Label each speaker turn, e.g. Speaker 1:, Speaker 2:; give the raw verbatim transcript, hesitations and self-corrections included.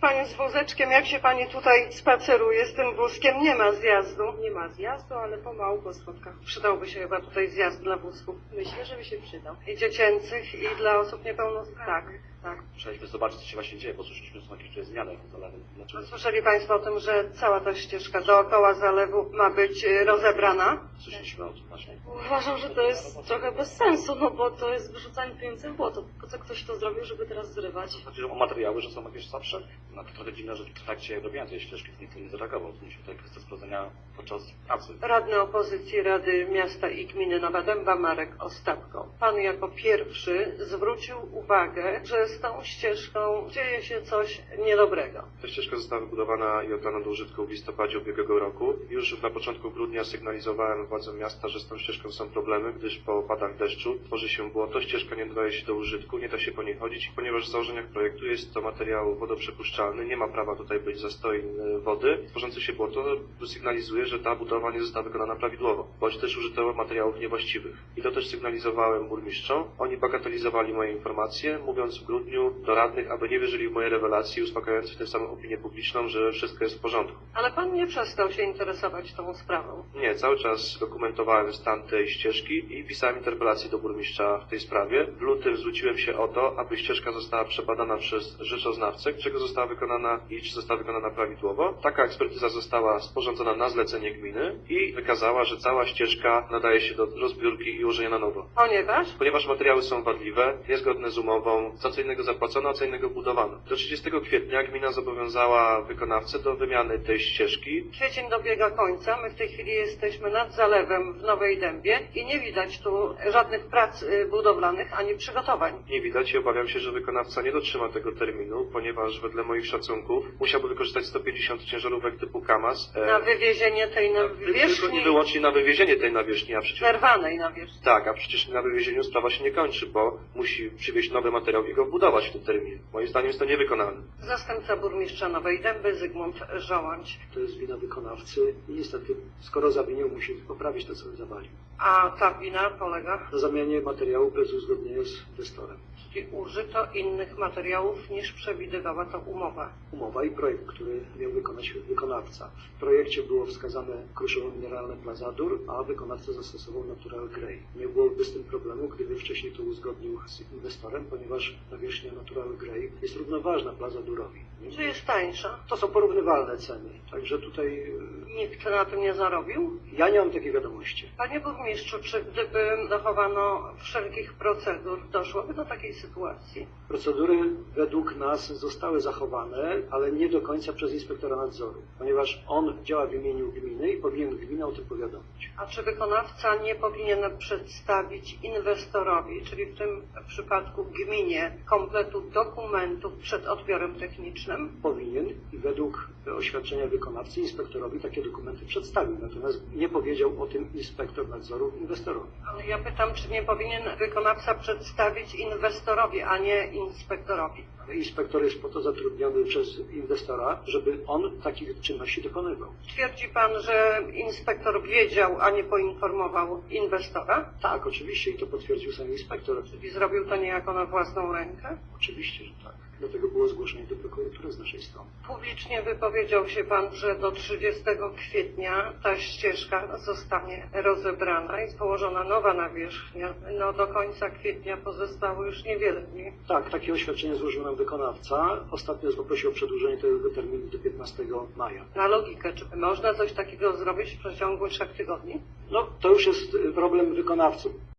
Speaker 1: Pani z wózeczkiem, jak się Pani tutaj spaceruje z tym wózkiem? Nie ma zjazdu.
Speaker 2: Nie ma zjazdu, ale pomału po schodkach.
Speaker 1: Przydałby się chyba tutaj zjazd dla wózków.
Speaker 2: Myślę, że by się przydał.
Speaker 1: I dziecięcych, i dla osób niepełnosprawnych.
Speaker 2: Tak, tak.
Speaker 3: Musieliśmy zobaczyć, co się właśnie dzieje, bo słyszeliśmy, że są jakieś tutaj zmiany w zalewie. Dlaczego?
Speaker 1: Słyszeli Państwo o tym, że cała ta ścieżka dookoła zalewu ma być e, rozebrana?
Speaker 3: Słyszeliśmy o tym właśnie.
Speaker 2: Uważam, że to jest trochę bez sensu, no bo to jest wyrzucanie pieniędzy w błoto. Po co ktoś to zrobił, żeby teraz zrywać?
Speaker 3: Chodzi o materiały, że są jakieś słabsze. No to trochę dziwne, że w trakcie robienia tej ścieżki nikt nie zareagował. To musi tutaj kwestia sprawdzenia podczas pracy.
Speaker 1: Radny opozycji Rady Miasta i Gminy Nowa Dęba Marek Ostapko. Pan jako pierwszy zwrócił uwagę, że z tą ścieżką dzieje się coś niedobrego.
Speaker 4: Ta ścieżka została wybudowana i oddana do użytku w listopadzie ubiegłego roku. Już na początku grudnia sygnalizowałem władzom miasta, że z tą ścieżką są problemy, gdyż po opadach deszczu tworzy się błoto, ścieżka nie nadaje się do użytku, nie da się po niej chodzić, ponieważ w założeniach projektu jest to materiał wodoprzepuszczalny, nie ma prawa tutaj być zastoi wody. Tworzące się błoto sygnalizuje, że ta budowa nie została wykonana prawidłowo, bądź też użyto materiałów niewłaściwych. I to też sygnalizowałem burmistrzom. Oni bagatelizowali moje informacje, mówiąc w grudniu do radnych, aby nie wierzyli w moje rewelacje, uspokajając w tym samym opinię publiczną, że wszystko jest w porządku.
Speaker 1: Ale Pan nie przestał się interesować tą sprawą.
Speaker 4: Nie, cały czas dokumentowałem stan tej ścieżki i pisałem interpelację do burmistrza w tej sprawie. W lutym zwróciłem się o to, aby ścieżka została przebadana przez rzeczoznawcę, czego została wykonana i czy została wykonana prawidłowo. Taka ekspertyza została sporządzona na zlecenie gminy i wykazała, że cała ścieżka nadaje się do rozbiórki i ułożenia na nowo.
Speaker 1: Ponieważ
Speaker 4: Ponieważ materiały są wadliwe, niezgodne z umową, za co innego zapłacono, a co innego budowano. Do trzydziestego kwietnia gmina zobowiązała wykonawcę do wymiany tej ścieżki.
Speaker 1: kwiecień dobiega końca, my w tej chwili jesteśmy nad zalewem w Nowej Dębie i nie widać tu żadnych prac y, budowlanych ani przygotowań.
Speaker 4: Nie widać i obawiam się, że wykonawca nie dotrzyma tego terminu, ponieważ wedle moich szacunków musiałby wykorzystać sto pięćdziesiąt ciężarówek typu KAMAZ. e,
Speaker 1: Na wywiezienie tej
Speaker 4: Tylko i
Speaker 1: nawierzchni,
Speaker 4: wyłącznie na wywiezienie tej nawierzchni, a przecież...
Speaker 1: zerwanej nawierzchni.
Speaker 4: Tak, a przecież na wywiezieniu sprawa się nie kończy, bo musi przywieźć nowy materiał i go wbudować w tym terminie. Moim zdaniem jest to niewykonalne.
Speaker 1: Zastępca burmistrza Nowej Dęby Zygmunt Żołądź.
Speaker 5: To jest wina wykonawcy i niestety, skoro zawinił, musi poprawić to, co zawalił.
Speaker 1: A ta wina polega,
Speaker 5: Na zamianie materiału bez uzgodnienia z inwestorem.
Speaker 1: czyli użyto innych materiałów niż przewidywała to umowa.
Speaker 5: Umowa i projekt, który miał wykonać wykonawca. W projekcie było wskazane kruszowo mineralne Plazadur, a wykonawca zastosował Natural Grey. Nie byłoby z tym problemu, gdyby wcześniej to uzgodnił z inwestorem, ponieważ nawierzchnia Natural Grey jest równoważna Plazadurowi.
Speaker 1: Czy jest tańsza?
Speaker 5: To są porównywalne ceny, także tutaj e,
Speaker 1: Nikt na tym nie zarobił?
Speaker 5: ja nie mam takiej wiadomości.
Speaker 1: Panie burmistrzu, czy gdyby zachowano wszelkich procedur, doszłoby do takiej sytuacji?
Speaker 5: Procedury według nas zostały zachowane, ale nie do końca przez inspektora nadzoru, ponieważ on działa w imieniu gminy i powinien gminę o tym powiadomić.
Speaker 1: A czy wykonawca nie powinien przedstawić inwestorowi, czyli w tym przypadku gminie, kompletu dokumentów przed odbiorem technicznym?
Speaker 5: Powinien i według oświadczenia wykonawcy inspektorowi takie dokumenty przedstawił, natomiast nie powiedział o tym inspektor nadzoru inwestorowi.
Speaker 1: Ale ja pytam, czy nie powinien wykonawca przedstawić inwestorowi, a nie inspektorowi?
Speaker 5: Inspektor jest po to zatrudniony przez inwestora, żeby on takich czynności dokonywał.
Speaker 1: Twierdzi pan, że inspektor wiedział, a nie poinformował inwestora?
Speaker 5: Tak, oczywiście i to potwierdził sam inspektor.
Speaker 1: Czyli zrobił to niejako na własną rękę?
Speaker 5: Oczywiście, że tak. Dlatego było zgłoszenie do prokuratury z naszej strony.
Speaker 1: Publicznie wypowiedział się pan, że do trzydziestego kwietnia ta ścieżka zostanie rozebrana i położona nowa nawierzchnia. No do końca kwietnia pozostało już niewiele dni.
Speaker 5: Tak, takie oświadczenie złożył nam wykonawca. Ostatnio poprosił o przedłużenie tego terminu do piętnastego maja.
Speaker 1: Na logikę, czy można coś takiego zrobić w przeciągu trzech tygodni?
Speaker 5: No, to już jest problem wykonawców.